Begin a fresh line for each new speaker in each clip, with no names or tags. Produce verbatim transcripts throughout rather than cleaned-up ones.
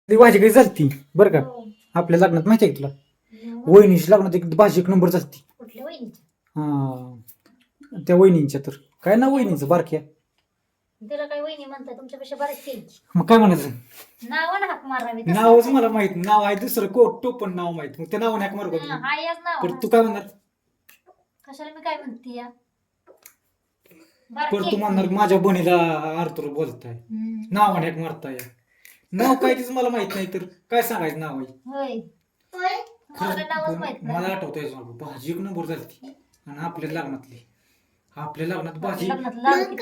ती भाजी काही चालती बरं का.
हो.
आपल्या लग्नात माहिती आहे का तुला
मग
वहिनीच्या लग्नात एक भाजी एक नंबर चालती.
कुठल्या वहिनीच्या?
हा त्या वहिनींच्या तर काय ना वहिनीचं बारक्या.
तिला काय वहिनी म्हणताय तुमच्यापेक्षा बरेच केली.
मग काय म्हणायचं
नावानं हाक मारावी तसं
नावच
नाही.
मला माहित नाव आहे दुसरं कोट तो पण नाव माहित मग त्या नावाने हाक मारू का
हा,
तुला?
हाय याच नाव
पण तू काय म्हणणार
कशाला मी काय म्हणते या
पण तू म्हणणार माझ्या बहिणीला आर्थर बोलताय नावाने हाक मारताय. नाव काय तीच मला माहित नाही तर काय सांगायचं नाव आहे.
होय मला काय नावच
खरं,
माहित
मला
नाही.
आठवतंय भाजी एक नंबर झाली आणि आपल्या लग्नातली आपल्या लग्नात भाजी
लग्नात लाडू किती-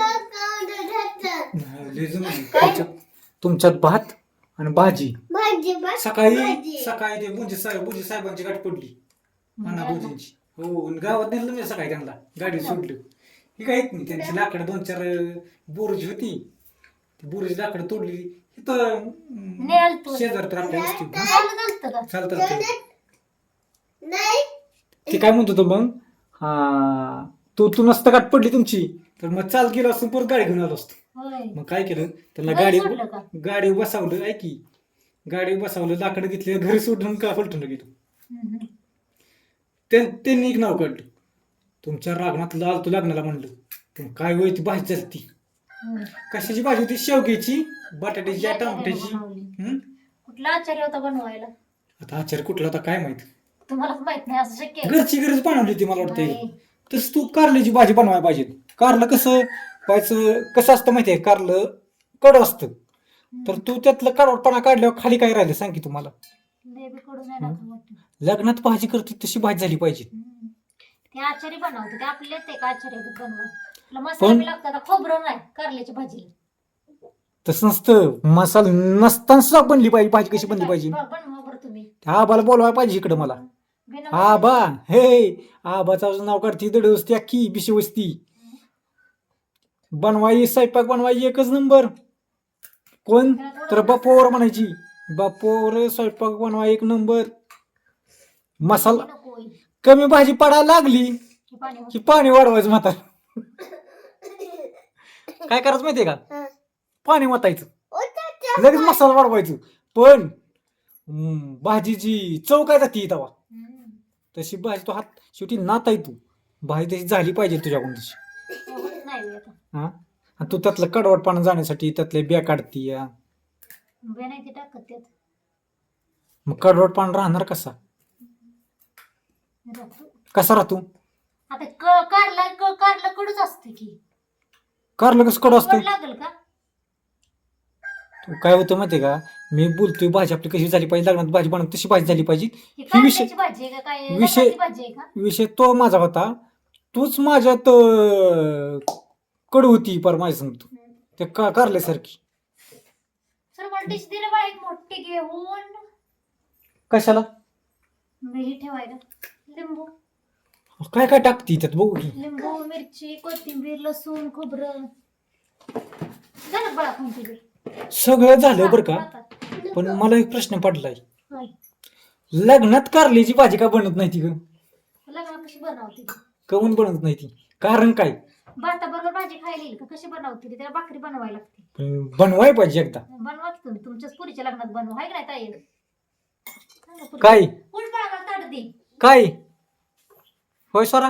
लय जमली. तुमच्यात तुमच्यात भात आणि भाजी सकाळी सकाळी ते बुंजी साहेब बुंजी साहेबांची गाठ पडली अण्णा बुंजींची हो आणि गावात नेलं मी सकाळी त्यांना गाडी सोडली ही काय येत नाही त्यांची लाकडं दोन चार बोरजी होती ती बोरजी लाकडं तोडली इथं
नेल तू.
शेजार तर आपल्या वस्ती
चालत असतं का?
चालतं ते काय म्हणतो तो मग हा तू तू नसतं गाठ पडली तुमची तर मग चाल गेलो असतो परत गाडी घेऊन आलो असतो.
होय
मग काय केलं त्यांना
घरी
गाडी
सोडलं का?
गाडी बसावलं ऐकी गाडी बसावलं लाकडं घेतली घरी सोडून का पलटून गेलो.
हम्म.
ते- त्यांनी एक नाव काढलं तुमच्या रागणात लाल तू लग्नाला म्हणलं पण काय होय ती भाजी चालती
होय.
कशाची भाजी होती शेवग्याची बटाट्याची
आचार्यानं
टमाट्याची
बनवली.
हम्म?
कुठला आचार्य होता बनवायला
आता आचार्य कुठला होता काय माहित
तुम्हालाच माहित नाही असं शक्य आहे?
घरची गरज बनवली होती मला वाटतं
नाही.
तसं तू कारल्याची भाजी बनवायला पाहिजे. कारलं कसं व्हायचं कसं असतं माहितीये कारलं कडं असतं तर तू त्यातलं कडवटपणा काढल्यावर खाली काय राहिलं सांग की तुम्हाला.
लय बी कडू नाही टाकावं वाटतं.
लग्नात भाजी करते तशी भाजी झाली पाहिजे.
हम्म. ते आचारी बनवते ते आपले ते का आचार्य बनवा तुला मसाला
पण-
बी लागतं का खोबरं नाही कारल्याची भाजी
तसं नसतं मसाला नसताना सुद्धा बनली पाहिजे भाजी कशी बनली पाहिजे.
बनवा बरं तुम्ही
त्या आबाला बोलवायला पाहिजे इकडं मला.
बिना
आबा हे आबाचं नाव काढती दड वस्ती अख्खी बिशी वस्ती बनवाई स्वयंपाक बनवाई एकच नंबर कोण तर बापोवर म्हणायची बापोवर स्वयंपाक बनवाय एक नंबर. मसाला
नको होईल.
कमी भाजी पडायला लागली
हे पाणी
की पाणी वाढवायचं म्हातार. काय करायचं माहितीये का पाणी वाटायचं लगेच मसाला वाढवायचं पण हम्म, भाजीची चव काय जाती तेव्हा
हम्म.
तशी भाजी तो हात शेवटी नात आहे तू भाजी तशी झाली पाहिजे तुझ्याकडून तशी
एवढंच नाही होत आता.
हा आणि तू त्यातलं कडवटपणा जाण्यासाठी त्यातले बिया काढती या
बे नाही ते टाकत त्यात
मग कडवटपणा राहणार कसा
राहतो.
कसा राहतो
आता क कारला क कारला कडूच असते की
कारलं कसं कडू असतं
कडू लागेल का
तू काय होतं माहितीये का मी बोलतोय भाजी आपली कशी झाली पाहिजे लग्नात भाजी बनव तशी भाजी झाली पाहिजे
ही
ही विषय
कारल्याची भाजी आहे का काय
विषय-
लग्नाची भाजी आहे का
विषय तो माझा होता तूच माझ्यात अं, कडू होती पर माझ्या सांगतो ते का कारल्यासारखी
सर मला डिश दिलं बाळा एक मोठी घेऊन
कशाला
मी हे ठेवायला लिंबू
काय काय टाकती त्यात बघू की
लिंबू मिरची कोथिंबीर लसूण खोबरं झालं बाळा कोणती
सगळं झालं बरं का पण मला एक प्रश्न पडलाय लग्नात कारल्याची भाजी का बनत नाही ती ग
लग्न कशी बनवते
कमून बनत नाही ती कारण काय
भाताबरोबर भाजी खायला येईल का कशी बनवते ती? त्याला भाकरी बनवायला लागते
पण बनवाय पाहिजे एकदा
बनवा की तुम्ही तुमच्याच पुरीच्या लग्नात बनवा आहे का नाही ताई सांगा पुरी.
काय
उठ बाळा मला ताट दे
काय होय सोरा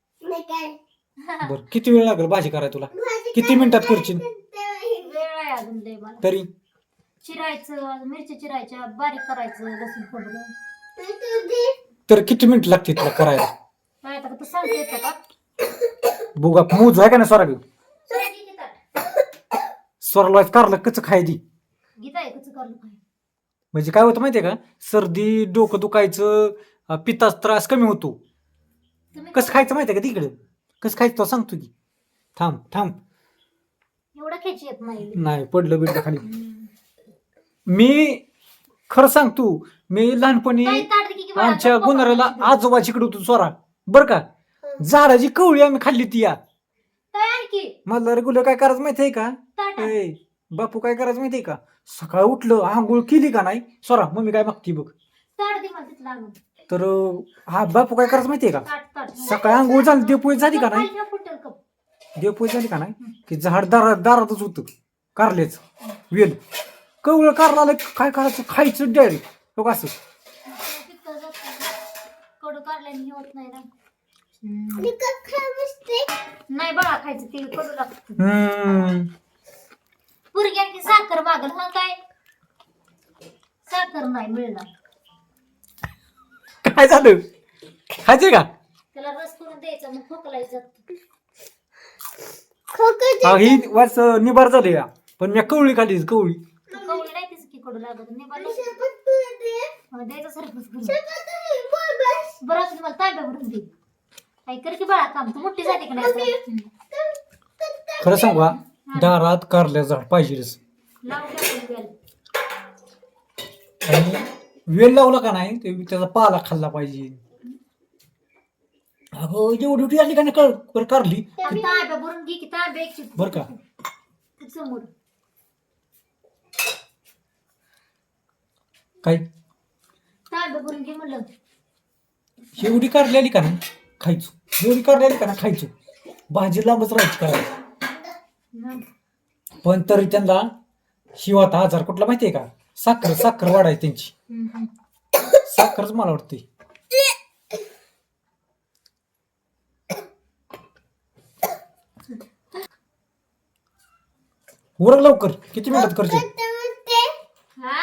बर किती वेळ लागेल भाजी करायला तुला किती मिनिटात करशील
वेळ आहे अजून लय मला
तरी
चिरायचं मिरची चिरायच्या बारीक करायचं लसूण खोबरं
तर किती मिनिट लागते तुला करायला
काय आता तू सांगते येतं का
बघा मूज आहे का नाही सोरा घेऊन
सर घे की ताट.
स्वराला कारलं कच खाय दी
गीता आहे कसं करलं काय
म्हणजे काय होतं माहितीये का सर्दी डोकं दुखायचं अं, पित्ताचा त्रास कमी होतो
तुम्ही
कसं खायचं माहितीये का तिकडे कसं खायचं तो सांगतो की थांब थांब
एवढं खेची येत नाही
नाही पडलं बिडलं खाली
हम्म.
मी खरं सांगतो मी लहानपणी
ताई ताट दे की बाळा.
आमच्या
नको
गुन्हाराला
बाळा.
आजोबाजीकडे होतो सोरा बर का झाडाची कवळी आम्ही खाल्ली ती या
ताई आणखी
मला रेग्युलर काय करायचं माहितीये का
ताट आण.
ए, बापू काय करायचं माहितीये का सकाळ उठलं आंघोळ केली का नाही सोरा मम्मी काय मागती बघ
ताट दे मला तिथलं आणून.
तर अं, हा बापू काय करायचं माहितीये का
ताट ताट
सकाळी आंघोळ झाली देवपोळी झाली का नाही
खाली ठेव फुटेल कप.
देवपोळी झाली का नाही की झाड दारात दारातच होतं कारल्याच वेल कवळ कारला काय करायचं खायचं डायरेक्ट हो असं
कडू काढल्याने होत नाही ना नाही बाळा खायचं ते कडू लागतं
हम्म
पुरगी आणखी साखर मागल हा काय साखर नाही मिळणार
काय झालं खायचंय का
त्याला रस करून द्यायचा मग खोकलायचं
अहो, ही वर्ष निबार झाली का पण मी कवळी खाली कवळी
कवळी नाही तीच की कडू लागत निभार द्यायचं सरपंच बरं असं मला तांब्या भरून दे काय कर की बाळा काम तू मोठी झाली का नाही आता?
खरं सांगू का दारात कारल्या झाड पाहिजेच
लावून टाकून द्याल.
आणि वेल लावला का नाही ते त्याचा पाला खाल्ला पाहिजे अगं एवढी एवढी आली का नाही कर बरं कारली
आणि तांब्या भरून घे की तांब्या एक
बर का
समोर
काय
तांब्या भरून घे म्हणलं
एवढी कारली आली का नाही खायचो एवढी कारली आली का नाही खायचो भाजी लांबच राहायची करायला पण तरी त्यांना शिवाता आजार कुठला माहितीये का साखर साखर वाढायची त्यांची साखरच मला वाटते उरक लवकर किती मिनिटात करते
हा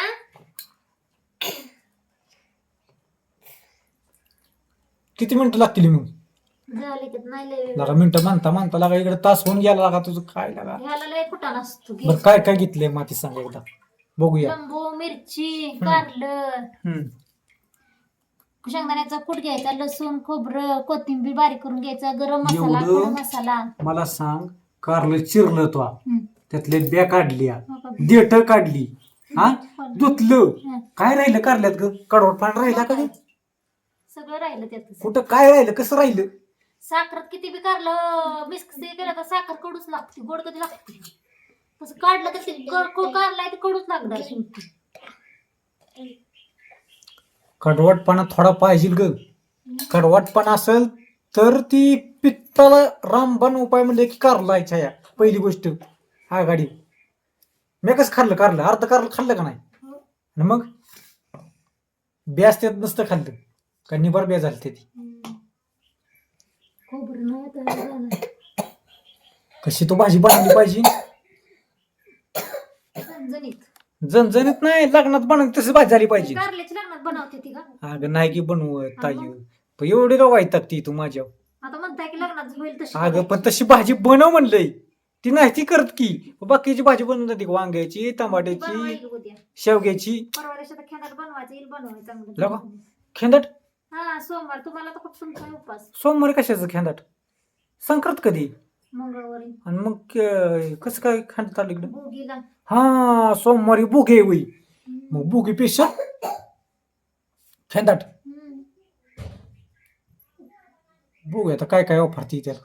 किती मिनिटं लागतील मग
झाले की नाही लय
लागा मिनिटं मानता मानता लागा इकडे तास होऊन गेला लागा तुझं काय लागा
ह्याला लय कुठं नसतो
बरं काय काय घेतलंय माती सांग एकदा बघूया
लिंबू मिरची कारलं
हम्म
शेंगदाण्याचा कूट घ्यायचा लसूण खोबरं कोथिंबीर बारीक करून घ्यायचा गरम मसाला
एवढं?
गरम मसाला
मला सांग कारलं चिरलं तो
हम्म.
त्यातले ब्या काढल्या
हो का?
देठ काढली हा धुतलं
हं.
काय राहिलं कारल्यात ग कडवट पाणी राहिला का ग?
सगळं राहिलं त्यातच
कुठं काय राहिलं कसं राहिलं
साखरात किती बी कारलं मिक्स केलं तर साखर कडूच लागते गोड कधी लागते तसं काढलं तर ते क- क- काढलाय ते कडूच लागणार शेवटी
कडवटपणा थोडा पाहिजे ग कडवटपणा असेल तर ती पित्ताला रामबाण उपाय म्हणजे की कारलायच्या या पहिली गोष्ट हा गाडी मी कसं खाल्लं कारलं अर्ध कारलं खाल्लं का नाही आणि मग ब्यास त्यात नसतं खाल्लं का निबार ब्या झाली ती
खोबरं नाही आता झालं.
कशी तो भाजी बनवली पाहिजे
झणझणीत
जनजणीत नाही लग्नात बनवली तशी भाजी झाली पाहिजे
कारल्याची लग्नात बनवते ती का
अगं नाही की बनवत ताई
मग?
पण एवढी का वाईट ती तू माझ्या
आता म्हणताय की लग्नात होईल तशी
अगं पण तशी भाजी बनव म्हणलंय ती नाही ती करत की बाकीची भाजी बनवून जाते वांग्याची टमाट्याची
बनवायची उद्या
शेवग्याची
परवा दिवशी आता खेळात बनवायचं येईल बनवायचं
लगा.
चांगलं
खेंदाट
हा सोमवार तुम्हाला तर खूप तुमचा उपास
सोमवारी कशाचं खेंदाट संक्रांत कधी
मंगळवारी
आणि मग अं, कसं काय खांडत आलं इकडं
भोगीला
हा सोमवारी बुगे होई मग बुगी पेशा खेंदाट
हम्म.
बघू आता काय काय ऑफर ती त्याला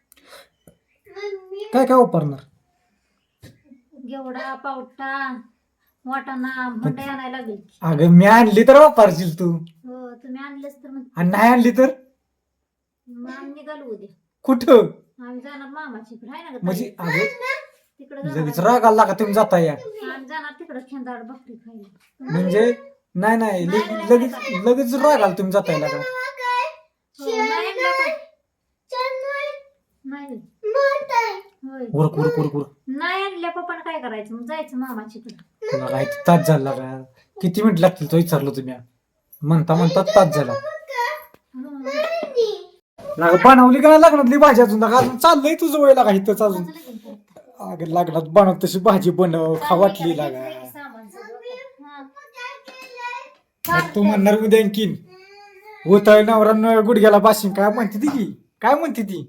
काय काय वापरणार
घेवडा पावटा वाटाणा भंडे आणायला लागेल
अगं मी आणली तर वापरशील तू
हो तुम्ही आणलेच तर मग
आणि नाही आणली तर
मग आम्ही निघालो उद्या
कुठं
आम्ही जाणार मामाची इकडे आहे ना गं
म्हणजे
ताई?
अगं
तिकडे
लगेच
जाणार
राग आला का तुम्ही जाता या
आम्ही जाणार तिकडे खेंदाड भाकरी खायला
म्हणजे नाही नाही लगे- लगेच लगेच राग आला तुम्ही जाता का
हो, नाही आणलं का? नाही होय
उरक उरक उरक उरक
नाही आणल्या पप्पानं काय करायचं मग जायचं मामाची इकडे
तुला काय ते तास झाला का किती मिनिट लागतील तो विचारलं तुम्ही म्हणता म्हणता तास झाला लागा बनवली का लग्नातली भाजी अजून लागा अजून चाललंय तुझं वय लागा इथंच अजून अगं लग्नात बनव तशी भाजी बनव खा वाटली लागा मग तू म्हणणार उद्या आणखीन उतळ नवरा गुडघ्याला बाशिंग काय म्हणते ती की काय म्हणते ती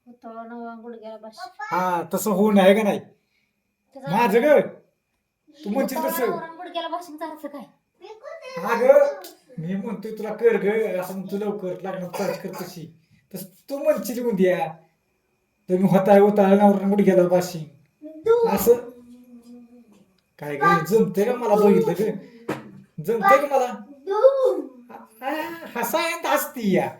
हा तसं होऊ नये का नाही माझं ग तू म्हणशील तसं
गुडघ्याला भाषण करायचं काय
अगं मी म्हणतोय तुला कर ग असं म्हणतो लवकर लग्नात चार्ज कर तशी तस तू म्हणशील उद्या तुम्ही होताय होताय नवरा गुडघ्याला बाशिंग असं काय ग जमते का मला बघितलं ग जमते का मला हसायंत हसती या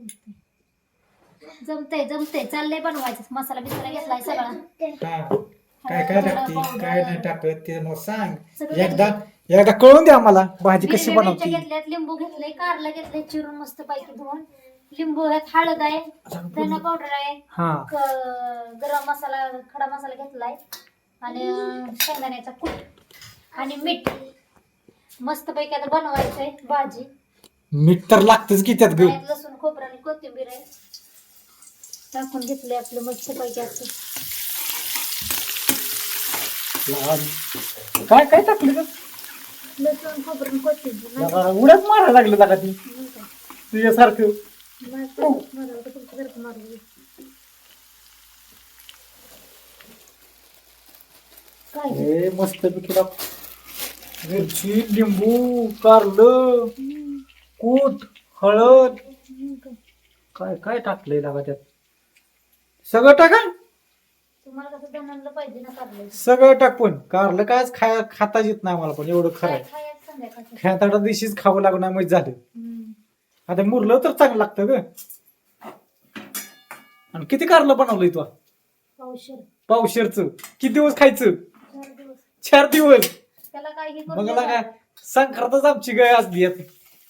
जमतंय जमतंय चाललंय बनवायचं मसाला बिसाला घेतलाय सगळा
हा काय काय
हळद,
टाकते
powder.
काय नाही टाकत ते मग सांग
सगळं
एकदा एकदा कळून द्या आम्हाला भाजी कशी
हिरव्या मिरच्या
बनवते.
घेतल्यात, लिंबू घेतलंय, कारला घेतलंय चिरून मस्त पैकी धुवून, लिंबू ह्यात हळद आहे, धना पावडर आहे,
हा
क- गरम मसाला खडा मसाला घेतलाय आणि शेंगदाण्याचा कूट आणि मीठ. मस्त पैकी आता बनवायचंय भाजी.
मीठ तर लागतच की त्यात ग.
त्यात लसूण खोबरं आणि कोथिंबीर आहे, टाकून घेतलंय आपलं मस्त पैकी असं.
लहान. काय काय टाकलं ग?
लसूण खोबरं आणि कोथिंबीर नाही
लगा, उड्याच मारायला लागलं लागा ती
नाही का?
तुझ्यासारखं.
नाही का? मला वाटतं तुमचं घरचं मारून घे. काय हे?
हे मस्त पैकी टाक. मिरची लिंबू कारलं
हम्म,
कूट हळद
हम्म का?
काय काय टाकलंय लागा त्यात सगळं टाका.
तुम्हाला कसं बनवलं पाहिजे ना कारलं.
सगळं टाक पण कारलं कायच खाय खाता येत नाही मला पण एवढं खरं
काय
आहे.
खायचं संध्याकाळचं.
खेळताडा दिवशीच खावं लागणार म्हणजे झालं.
हम्म.
आता मुरलं तर चांगलं लागतं ग. आणि किती कारलं बनवलंय तू
पावशेर
पावशेरचं किती दिवस खायचं.
चार दिवस
चार दिवस.
त्याला काय हे
मग
करून
लागा संक्रांतच आमची गाय असली आहे.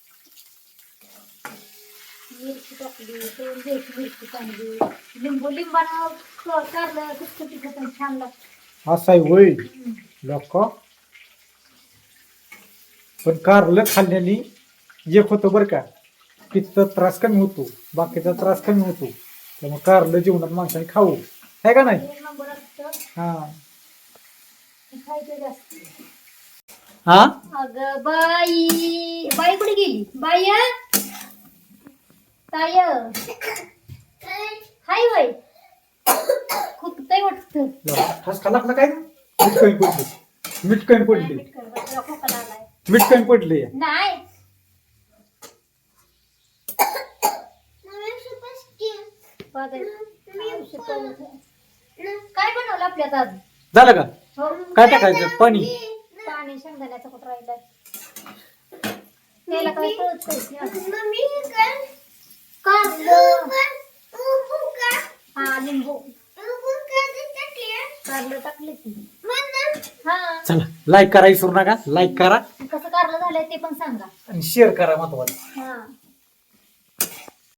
मिरची टाकली, दोन द्यायची मिरची चांगली, लिंबू लिंबानं क- कारलं किती तिखट छान लागतं.
असं आहे वय
हम्म.
लोक पण कारलं खाल्ल्याने एक होतं बरं का पित्त त्रास कमी होतो बाकीचा त्रास कमी होतो. त्यामुळे कारलं जीवनात माणसाने खाऊ आहे का नाही.
एक नंबर असतं,
हा
खायचं जास्त.
हा
अगं बाई बाई कुठे गेली बाई ताय हाय बाई खुकतय वाटतं.
ठसका लागला काय मीठ कमी पडले मीठ कमी पडले
मीठ कर, तुला खोकला आलाय.
मीठ कमी पडले.
नाही पागल. काय बनवलं आपल्यात आज.
झालं का
हो
काय टाकायचं पाणी
पाणी शेंगदाण्याचं कुठं राहिलंय त्याला काय कळत कारलं हा लिंबू कारलं टाकले की हा.
चला लाईक करा विसरू नका लाईक करा
कसं कारलं झालंय ते पण सांगा.
आणि शेअर करा महत्वाचं.
हा